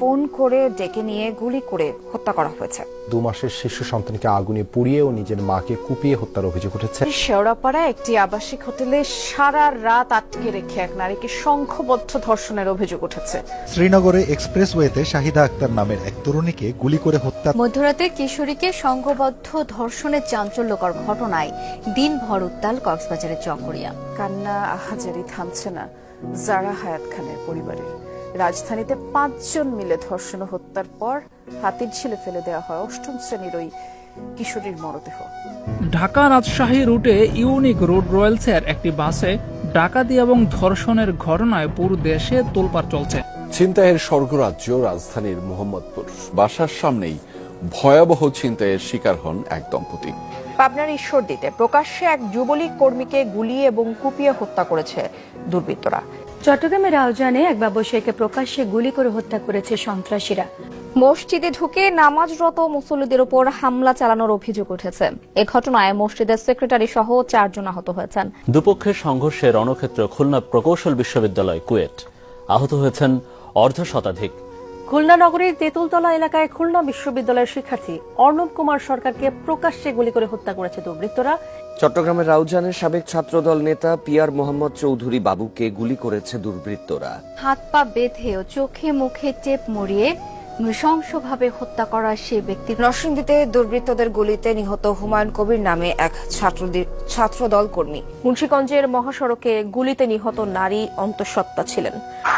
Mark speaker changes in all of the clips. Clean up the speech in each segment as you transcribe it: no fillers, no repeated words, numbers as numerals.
Speaker 1: Phone করে ডেকে নিয়ে গুলি করে হত্যা করা হয়েছে।
Speaker 2: 2 মাসের শিশু সন্তানকে আগুনে পুড়িয়ে ও নিজের মাকে কুপিয়ে হত্যার অভিযোগ উঠেছে।
Speaker 1: শেওড়াপাড়ায় একটি আবাসিক হোটেলে সারা রাত আটকে রেখে এক নারীকে সংঘবদ্ধ ধর্ষণের অভিযোগ উঠেছে।
Speaker 3: শ্রীনগরে এক্সপ্রেসওয়েতে শাহিদা আক্তার নামের এক তরুণীকে গুলি করে হত্যা।
Speaker 4: মধ্যরাতে কিশোরীকে সংঘবদ্ধ ধর্ষণের চাঞ্চল্যকর ঘটনায় দিনভর উত্তাল কক্সবাজারের চকরিয়া।
Speaker 1: কান্না আহাজারি থামছে না জারা হায়াত খানের পরিবারের। রাজধানীতে 5 জন মিলে ধর্ষণ ও হত্যার পর হাতির ঝিলে ফেলে দেওয়া হয় 8ম শ্রেণীর ওই কিশোরীর মরদেহ।
Speaker 5: ঢাকা রাজশাহী রুটে ইউনিক রুট রয়েলসের একটি বাসে ডাকাতি এবং ধর্ষণের ঘটনায় পুরো দেশে তোলপাড় চলছে।
Speaker 6: ছিনতাইয়ের স্বর্গরাজ্য রাজধানীর মোহাম্মদপুর। বাসার সামনেই ভয়াবহ ছিনতাইয়ের শিকার হন এক দম্পতি।
Speaker 1: পাবনার ঈশ্বরদীতে প্রকাশ্যে এক যুবলীগ কর্মীকে গুলি এবং কুপিয়ে হত্যা করেছে দুর্বৃত্তরা।
Speaker 4: চট্টগ্রামের আয়োজনে এক ব্যবসায়ীকে প্রকাশ্যে গুলি করে হত্যা করেছে সন্ত্রাসীরা।
Speaker 7: মসজিদে ঢুকে নামাজরত মুসল্লিদের উপর হামলা চালানোর অভিযোগ উঠেছে। এ ঘটনায় মসজিদের সেক্রেটারি সহ 4 জন আহত হয়েছেন।
Speaker 8: দুপক্ষের সংঘর্ষে রণক্ষেত্র খুলনা প্রকৌশল বিশ্ববিদ্যালয় কুয়েট। আহত হয়েছেন অর্ধশতাধিক।
Speaker 4: খুলনা নগরীর তেঁতুলতলা এলাকায় খুলনা বিশ্ববিদ্যালয়ের শিক্ষার্থী অর্ণব কুমার সরকারকে প্রকাশ্যে গুলি করে হত্যা করেছে দুর্বৃত্তরা।
Speaker 9: চট্টগ্রামের রাউজানের সাবেক ছাত্রদল নেতা পিয়ার মোহাম্মদ চৌধুরী বাবুকে গুলি করেছে দুর্বৃত্তরা।
Speaker 4: হাত পা বেঁধে ও চোখে মুখে টেপ মরিয়ে নৃশংসভাবে হত্যা করা সেই ব্যক্তি।
Speaker 1: নরসিংদীতে দুর্বৃত্তদের গুলিতে নিহত হুমায়ুন কবির নামে এক ছাত্রদল কর্মী। মুন্সিগঞ্জের মহাসড়কে গুলিতে নিহত নারী অন্তঃসত্ত্বা ছিলেন।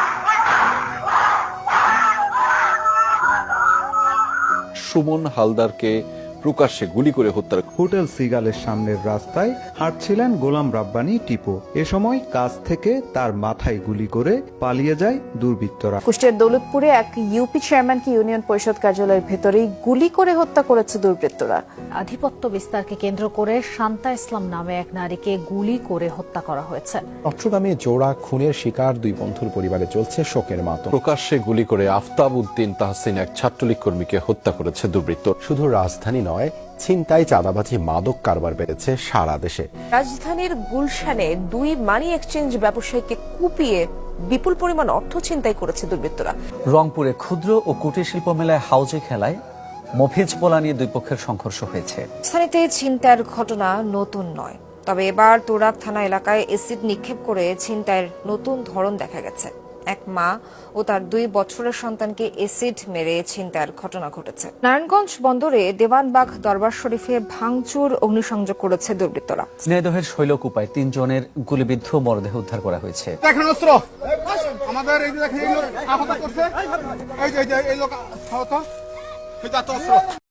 Speaker 6: সুমন হালদারকে প্রকাশ্যে গুলি করে হত্যার।
Speaker 3: হোটেল সিগালের সামনের রাস্তায় হাঁটছিলেন গোলাম রাব্বানী টিপু। এ সময় কাছ থেকে তার মাথায় গুলি করে পালিয়ে যায় দুর্বৃত্তরা।
Speaker 1: কুষ্টিয়ার দৌলতপুরে এক ইউপি চেয়ারম্যানকে ইউনিয়ন পরিষদ কার্যালয়ের ভেতরেই গুলি করে হত্যা করেছে দুর্বৃত্তরা।
Speaker 4: আধিপত্য বিস্তারকে কেন্দ্র করে শান্তা ইসলাম নামে এক নারীকে গুলি করে হত্যা করা হয়েছে।
Speaker 2: চট্টগ্রামে জোড়া খুনের শিকার 2 বন্ধুর পরিবারে চলছে শোকের মাতম।
Speaker 6: প্রকাশ্যে গুলি করে আফতাব উদ্দিন তাহসিন এক ছাত্রলীগ কর্মীকে হত্যা করেছে দুর্বৃত্ত।
Speaker 2: শুধু রাজধানী নয়, ছিনতাই, চাঁদাবাজি, মাদক কারবার বেড়েছে সারা দেশে।
Speaker 1: রাজধানীর গুলশানে 2 মানি এক্সচেঞ্জ ব্যবসায়ীকে কুপিয়ে বিপুল পরিমাণ অর্থ ছিনতাই করেছে দুর্বৃত্তরা।
Speaker 10: রংপুরে ক্ষুদ্র ও কুটির শিল্প মেলায় হাউজে খেলায় মফিজ পোলা নিয়ে 2 পক্ষের সংঘর্ষ হয়েছে।
Speaker 1: স্থানীয়তে ছিনতাইয়ের ঘটনা নতুন নয়, তবে এবার তোরাব থানা এলাকায় এসিড নিক্ষেপ করে ছিনতাইয়ের নতুন ধরন দেখা গেছে। এক মা ও তার 2 বছরের সন্তানকে এসিড মেরে ছিনতাইয়ের ঘটনা ঘটেছে। নারায়ণগঞ্জ বন্দরে দেওয়ানবাগ দরবার শরীফে ভাঙচুর অগ্নিসংযোগ করেছে দুর্বৃত্তরা।
Speaker 10: ঝিনাইদহের শৈলকুপায় 3 জনের গুলিবিদ্ধ মরদেহ উদ্ধার করা হয়েছে।
Speaker 11: আমাদের এই যে দেখেন আহত করছে, এই যে এই লোক আহত।